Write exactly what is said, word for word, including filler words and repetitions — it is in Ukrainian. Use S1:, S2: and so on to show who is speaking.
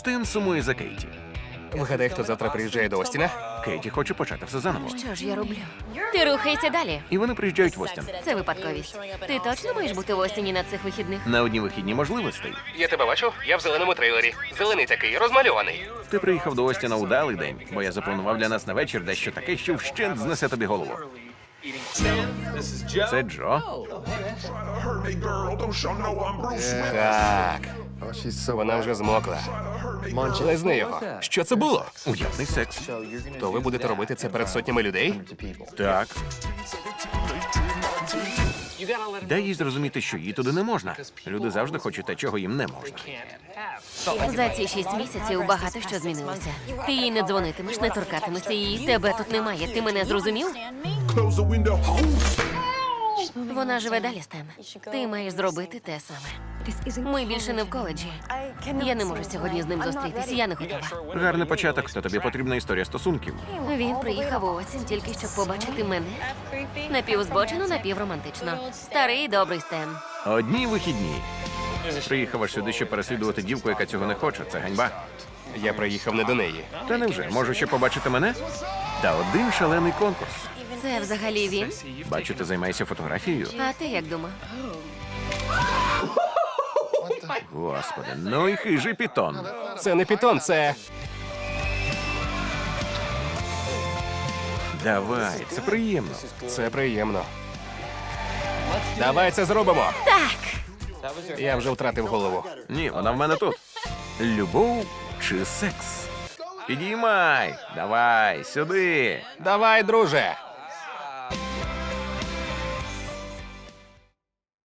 S1: Стен сумує за Кейті.
S2: Вгадай, хто завтра приїжджає до Остіна?
S1: Кейті хоче почати все заново.
S3: Що ж я роблю? Ти рухайся далі.
S1: І вони приїжджають в Остін.
S3: Це випадковість. Ти точно маєш бути в Остіні на цих вихідних?
S1: На одні вихідні можливостей.
S2: Я тебе бачу, я в зеленому трейлері. Зелений такий, розмальований.
S1: Ти приїхав до Остіна удалий день, бо я запланував для нас на вечір дещо таке, що вщент знесе тобі голову. Це Джо.
S2: Так. Вона вже змокла. Лизни його. Що це було?
S1: Уявний секс.
S2: То ви будете робити це перед сотнями людей?
S1: Так. Дай їй зрозуміти, що їй туди не можна. Люди завжди хочуть те, чого їм не можна.
S3: За ці шість місяців багато що змінилося. Ти їй не дзвонитимеш, не торкатимешся її. Тебе тут немає. Ти мене зрозумів? Вона живе далі, Стен. Ти маєш зробити те саме. Ми більше не в коледжі. Я не можу сьогодні з ним зустрітися, я не готова.
S1: Гарний початок, та тобі потрібна історія стосунків.
S3: Він приїхав у осінь тільки щоб побачити мене. Напівзбочено, напівромантично. Старий добрий Стен.
S1: Одні вихідні. Приїхав аж сюди, щоб переслідувати дівку, яка цього не хоче. Це ганьба.
S2: Я приїхав не до неї.
S1: Та невже? Може ще побачити мене? Та один шалений конкурс.
S3: Це взагалі він?
S1: Бачу, ти займаєшся фотографією.
S3: А ти як думав?
S1: Господи, ну і хижий пітон.
S2: Це не пітон, це...
S1: Давай, це приємно.
S2: Це приємно. Давай це зробимо.
S3: Так!
S2: Я вже втратив голову.
S1: Ні, вона в мене тут. Любов чи секс? Підіймай, давай, сюди.
S2: Давай, друже.